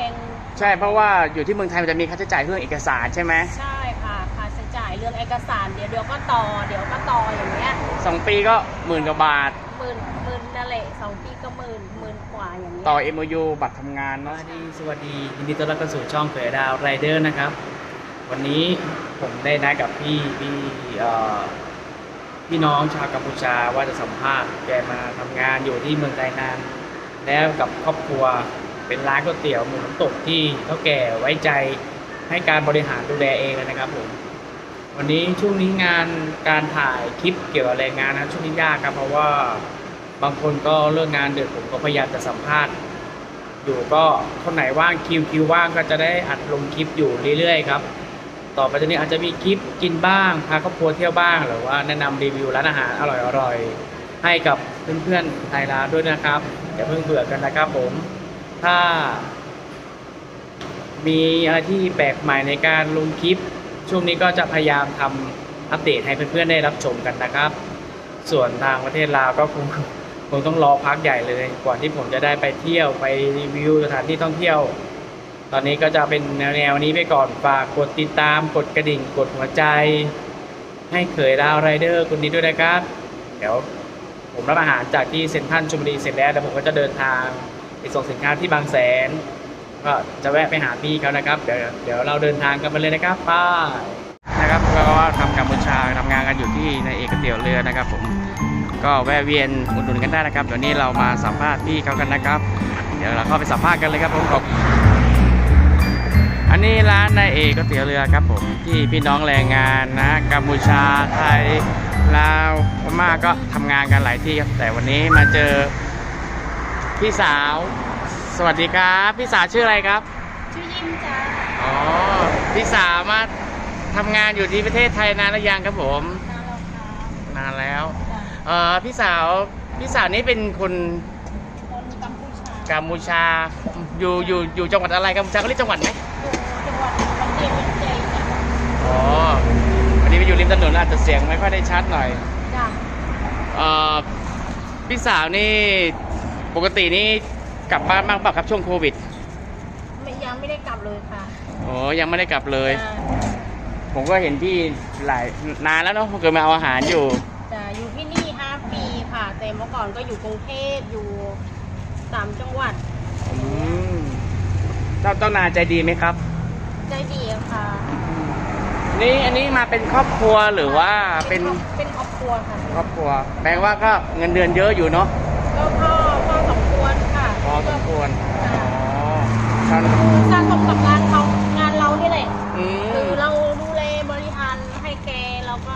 งใช่เพราะว่าอยู่ที่เมืองไทยมันจะมีค่าใช้จ่ายเรื่องเอกสารใช่ไหมใช่ค่ะค่าใช้จ่ายเรื่องเอกสารเดี๋ยวก็ต่ออย่างเงี้ย 2 ปีก็10,000 กว่าบาทหมื่นนั่นแหละ2 ปีก็หมื่นกว่าอย่างเงี้ยต่อ MOU บัตรทำงานเนาะสวัสดียินดีต้อนรับเข้าสู่ช่องเผยดาวไรเดอร์นะครับวันนี้ผมได้นัดกับพี่น้องชาวกัมพูชาว่าจะสัมภาษณ์แกมาทำงานอยู่ที่เมืองไทยนานแล้วกับครอบครัวเป็นร้านก๋วยเตี๋ยวหมูน้ำตกที่เท่าแก่ไว้ใจให้การบริหารดูแลเองเลยนะครับผมวันนี้ช่วงนี้งานการถ่ายคลิปเกี่ยวกับแรงงานนะช่วงนี้ยากครับเพราะว่าบางคนก็เลิกงานดึกผมก็พยายามจะสัมภาษณ์อยู่ก็คนไหนว่างคิวว่างก็จะได้อัดลงคลิปอยู่เรื่อยๆครับต่อไปจากนี้อาจจะมีคลิปกินบ้างพาครอบครัวเที่ยวบ้างหรือว่าแนะนำรีวิวร้านอาหารอร่อยๆให้กับเพื่อนๆไทยร้านด้วยนะครับอย่าเพิ่งเบื่อกันนะครับผมถ้ามีอะไรที่แปลกใหม่ในการลงคลิปช่วงนี้ก็จะพยายามทำอัปเดตให้เพื่อนๆได้รับชมกันนะครับส่วนทางประเทศลาวก็คงต้องรอพักใหญ่เลยกว่าที่ผมจะได้ไปเที่ยวไปรีวิวสถานที่ท่องเที่ยวตอนนี้ก็จะเป็นแนวนี้ไปก่อนฝากกดติดตามกดกระดิ่งกดหัวใจให้เขยดาวไรเดอร์คนนี้ด้วยนะครับเดี๋ยวผมรับอาหารจากที่เซ็นทรัลชลบุรีเสร็จแล้วเดี๋ยวผมก็จะเดินทางไปส่งสินค้าที่บางแสนก็จะแวะไปหาพี่เขานะครับเดี๋ยวเราเดินทางกันไปเลยนะครับป้านะครับก็ทำกัมพูชาทำงานกันอยู่ที่ในเอกเตี๋ยวเรือนะครับผมก็แวะเวียนอุดหนุนกันได้นะครับเดี๋ยวนี้เรามาสัมภาษณ์พี่เขากันนะครับเดี๋ยวเราเข้าไปสัมภาษณ์กันเลยครับผมอันนี้ร้านในเอกเตี๋ยวเรือครับผมที่พี่น้องแรงงานนะกัมพูชาไทยลาวพม่าก็ทำงานกันหลายที่ครับแต่วันนี้มาเจอพี่สาวสวัสดีครับพี่สาวชื่ออะไรครับชื่อยิ้มจ้าอ๋อพี่สาวมาทำงานอยู่ที่ประเทศไทยนานหรือยังครับผมนานแล้วนานแล้วพี่สาวนี่เป็นคนกัมพูชาอยู่จังหวัดอะไรกัมพูชาเขาเรียกจังหวัดไหมจังหวัดบันเดียนใจจ้ะอ๋อวันนี้ไปอยู่ริมถนนอาจจะเสียงไม่ค่อยได้ชัดหน่อยจ้ะพี่สาวนี่ปกตินี่กลับบ้านบ้างเปล่าครับช่วงโควิดยังไม่ได้กลับเลยค่ะอ๋อยังไม่ได้กลับเลยผมก็เห็นพี่นานแล้วเนาะเกิดมาเอาอาหารอยู่อยู่ที่นี่5 ปีค่ะแต่เมื่อก่อนก็อยู่กรุงเทพอยู่3 จังหวัดเจ้านายใจดีไหมครับใจดีค่ะนี่อันนี้มาเป็นครอบครัวหรือว่าเป็นครอบครัวค่ะครอบครัวแปลว่าก็เงินเดือนเยอะอยู่เนาะก็พอสมควรค่ะพอสมควรสะสมกับงานเรานี่แหละคือเราดูแลบริหารให้แกแล้วก็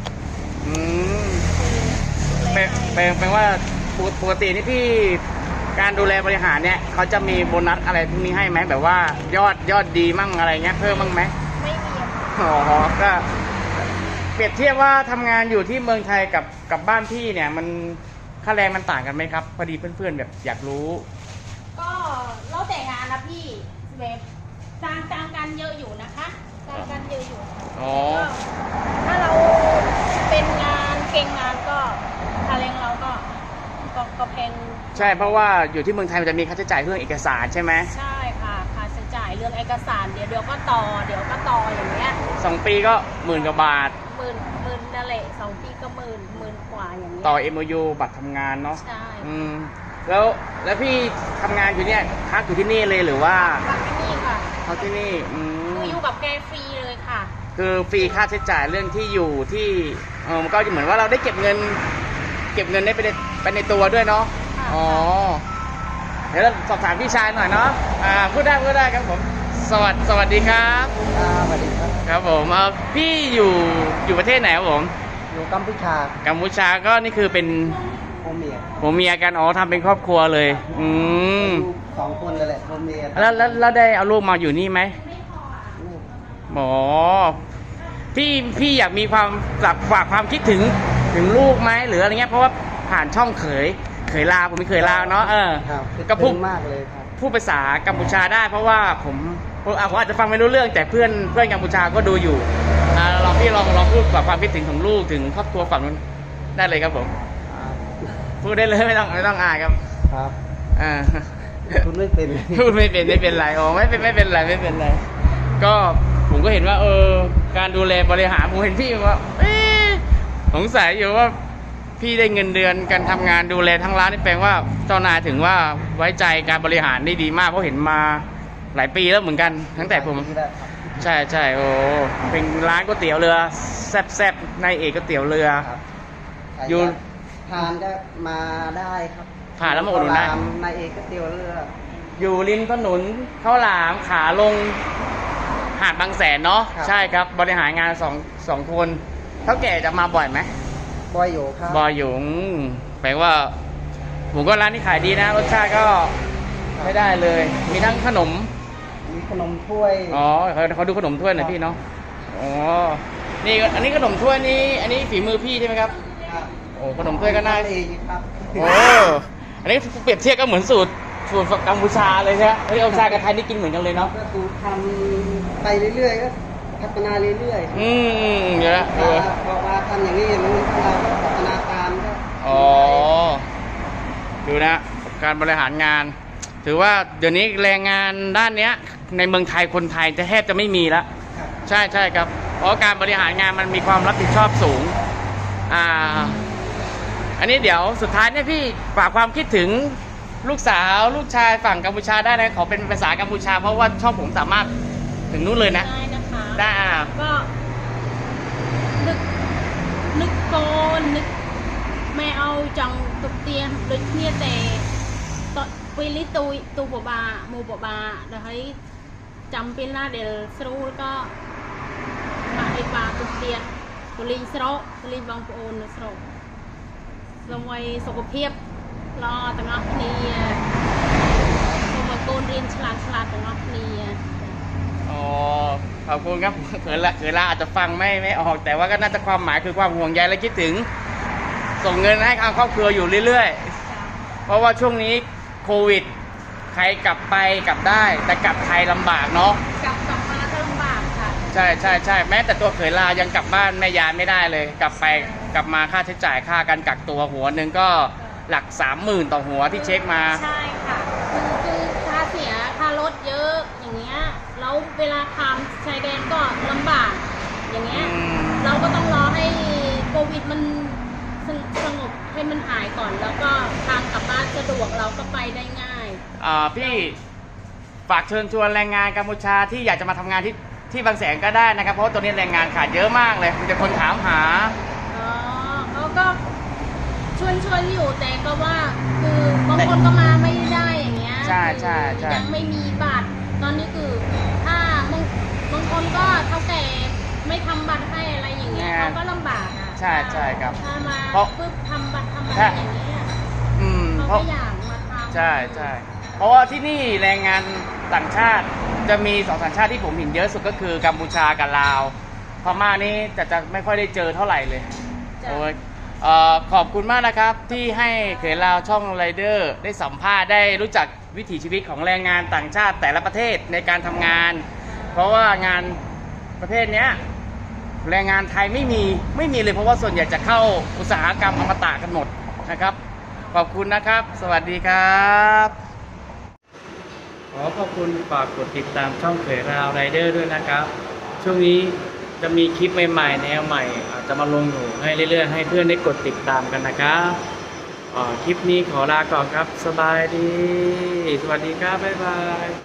แปลว่าปกตินี่พี่การดูแลบริหารเนี่ยเขาจะมีโบนัสอะไรพวกนี้ให้ไหมแบบว่ายอดดีมั่งอะไรเงี้ยเพิ่มมั่งไหมไม่มีอ๋อก็เปรียบเทียบว่าทำงานอยู่ที่เมืองไทยกับบ้านพี่เนี่ยมันค่าแรงมันต่างกันไหมครับพอดีเพื่อนๆแบบอยากรู้ก็แล้วแต่งานนะพี่แบบต่างกันเยอะอยู่นะคะต่างกันเยอะอยู่ถ้าเราเป็นงานเก่งงานก็ค่าแรงเราก็แพงใช่เพราะว่าอยู่ที่เมืองไทยมันจะมีค่าใช้จ่ายเรื่องเอกสารใช่ไหมใช่ค่ะค่าใช้จ่ายเรื่องเอกสารเดี๋ยวก็ต่ออย่างเงี้ย 2 ปีก็10,000 กว่าบาทหมื่นนั่นแหละ2 ปีก็หมื่นกว่าอย่างเงี้ยต่อ MOU บัตรทำงานเนาะใช่แล้วพี่ทำงานอยู่เนี่ยพักอยู่ที่นี่เลยหรือว่าพักที่นี่ค่ะพักที่นี่คืออยู่กับแกฟรีเลยค่ะคือฟรีค่าใช้จ่ายเรื่องที่อยู่ที่มันก็เหมือนว่าเราได้เก็บเงินได้ไปในตัวด้วยเนาะอ๋อเดี๋ยวเราสอบถามพี่ชายหน่อยเนาะพูดได้ครับผมสวัสดีครับสวัสดีครับครับผมพี่อยู่ประเทศไหนครับผมอยู่กัมพูชาก็นี่คือเป็นผมเมียกันทำเป็นครอบครัวเลย 2 คนเลยแหละผมเมียแล้วได้เอาลูกมาอยู่นี่ไหมหมอพี่อยากมีความฝากความคิดถึงลูกไหมหรืออะไรเงี้ยเพราะว่าผ่านช่องเขยลาวผมไม่เคยลาวเนาะก็พูดมากเลยครับพูดภาษากัมพูชาได้เพราะว่าผมอาจจะฟังไม่รู้เรื่องแต่เพื่อนกัมพูชาก็ดูอยู่พี่ลองพูดกับความคิดถึงของลูกถึงครอบครัวฝั่งนู้นได้เลยครับผมพูดได้เลยไม่ต้องอายครับครับคุณไม่เป็นพูดไม่เป็นไรอ๋อไม่เป็นไรก็ผมก็เห็นว่าการดูแลบริหารผมเห็นพี่ว่าสงสัยอยู่ว่าพี่ได้เงินเดือนการทำงานดูแลทั้งร้านนี่แปลว่าเจ้านายถึงว่าไว้ใจการบริหารได้ดีมากเพราะเห็นมาหลายปีแล้วเหมือนกันตั้งแต่ผมใช่โอ้เป็นร้านก๋วยเตี๋ยวเรือแซ่บในเอกก๋วยเตี๋ยวเรือครับอยู่ทานก็มาได้ครับผ่านแล้วมาอุดหนุนได้ในเอกก๋วยเตี๋ยวเรืออยู่ริมถนนข้าวหลามขาลงหาดบางแสนเนาะใช่ครับบริหารงานสองคนเท่าแก่จะมาบ่อยไหมบอยโยครับบ่อยอยู่แปลว่าผมก็ร้านนี้ขายดีนะรสชาติก็ไม่ได้เลย มีทั้งขนมมีขนมถ้วยอ๋อเขาดูขนมถ้วยหน่อยพี่เนาะอ๋อนี่อันนี้ขนมถ้วยนี่อันนี้ฝีมือพี่ใช่ไหมครับครับโอ้ขนมถ้วยก็น่าเองครับโอ้อันนี้เปรียบเทียบก็เหมือนสูตรกัมพูชาเลยใช่ไหมเฮ้ยกัมพูชากับไทยนี่กินเหมือนกันเลยเนาะก็คือทำไปเรื่อยๆก็พัฒนาเรื่อยๆเดี๋ยวนะบอกว่าทำอย่างนี้อย่างนู้นเราก็พัฒนาตามก็อ๋อดูนะการบริหารงาน ถือว่าเดี๋ยวนี้แรงงานด้านเนี้ยในเมืองไทยคนไทยจะแทบจะไม่มีแล้วครับใช่ครับเพราะการบริหารงานมันมีความรับผิดชอบสูงอันนี้เดี๋ยวสุดท้ายเนี่ยพี่ฝากความคิดถึงลูกสาวลูกชายฝั่งกัมพูชาได้นะขอเป็นภาษากัมพูชาเพราะว่าช่องผมสามารถถึงนู้นเลยนะได้นะคะได้ก็นึกโกนนึกไม่เอาจังตุกเตียนดึกเนี่ยแต่ตอนปีลิตูบาโมบาเดี๋ยวให้จำเป็นละเดี๋ยวสรุปก็มาไอ้ปลาตุกเตียนตุลิงสระตุลิงบางปูนสระลงไว้สุขภาพรอตั้งอักนี้โมบาโกนเรียนฉลาดตั้งอักนี้อ๋อขอบคุณครับเขินละอาจจะฟังไม่ออกแต่ว่าก็น่าจะความหมายคือความห่วงใยและคิดถึงส่งเงินให้ทางครอบครัวอยู่เรื่อยๆเพราะว่าช่วงนี้โควิดใครกลับไปกลับได้แต่กลับไทยลำบากเนาะกลับมาก็ลำบากค่ะใช่แม้แต่ตัวเขยลายังกลับบ้านแม่ยายไม่ได้เลย กลับไปกลับมาค่าใช้จ่ายค่าการกักตัวหัวหนึ่งก็หลัก 30,000 ต่อหัวที่เช็คมาใช่ค่ะคือค่าเสียค่ารถเยอะอย่างเงี้ยแล้วเวลาข้ามชายแดนก็ลำบากอย่างเงี้ยเราก็ต้องรอให้โควิดมันสงบให้มันหายก่อนแล้วก็ทางกลับบ้านสะดวกเราก็ไปได้ง่ายพี่ฝากเชิญชวนแรงงานกัมพูชาที่อยากจะมาทำงานที่บางแสนก็ได้นะครับเพราะว่าตัวนี้แรงงานขาดเยอะมากเลยมีแต่คนถามหาเขาก็ชวนอยู่แต่ก็ว่าคือบางคนก็มาไม่ได้อย่างเงี้ยใช่ยังไม่มีบัตรตอนนี้คือถ้าบางคนก็เท่าแก่ไม่ทำบัตรให้อะไรอย่างเงี้ยเขาก็ลำบากอ่ะใช่ครับถ้ามาเพราะปึ๊บทำบัตรอย่างเงี้ยเขาเพราะก็อยากมาทำใช่เพราะว่าที่นี่แรงงานต่างชาติจะมีสองสัญชาติที่ผมเห็นเยอะสุดก็คือกัมพูชากับลาวพม่านี่จะไม่ค่อยได้เจอเท่าไหร่เลยจ้ะโอ้ยขอบคุณมากนะครับที่ให้เขยลาวช่องไรเดอร์ได้สัมภาษณ์ได้รู้จักวิถีชีวิตของแรงงานต่างชาติแต่ละประเทศในการทำงาน เพราะว่างานประเภทเนี้ยแรงงานไทยไม่มีเลยเพราะว่าส่วนใหญ่จะเข้าอุตสาหกรรมอมตะกันหมดนะครับขอบคุณนะครับ สวัสดีครับขอขอบคุณฝากกดติดตามช่องเขยราวไรเดอร์ด้วยนะครับช่วงนี้จะมีคลิปใหม่ๆแนวใหม่อาจจะมาลงอยู่ให้เรื่อยๆให้เพื่อนได้กดติดตามกันนะครับคลิปนี้ขอลาก่อนครับสบายดีสวัสดีครับบ๊ายบาย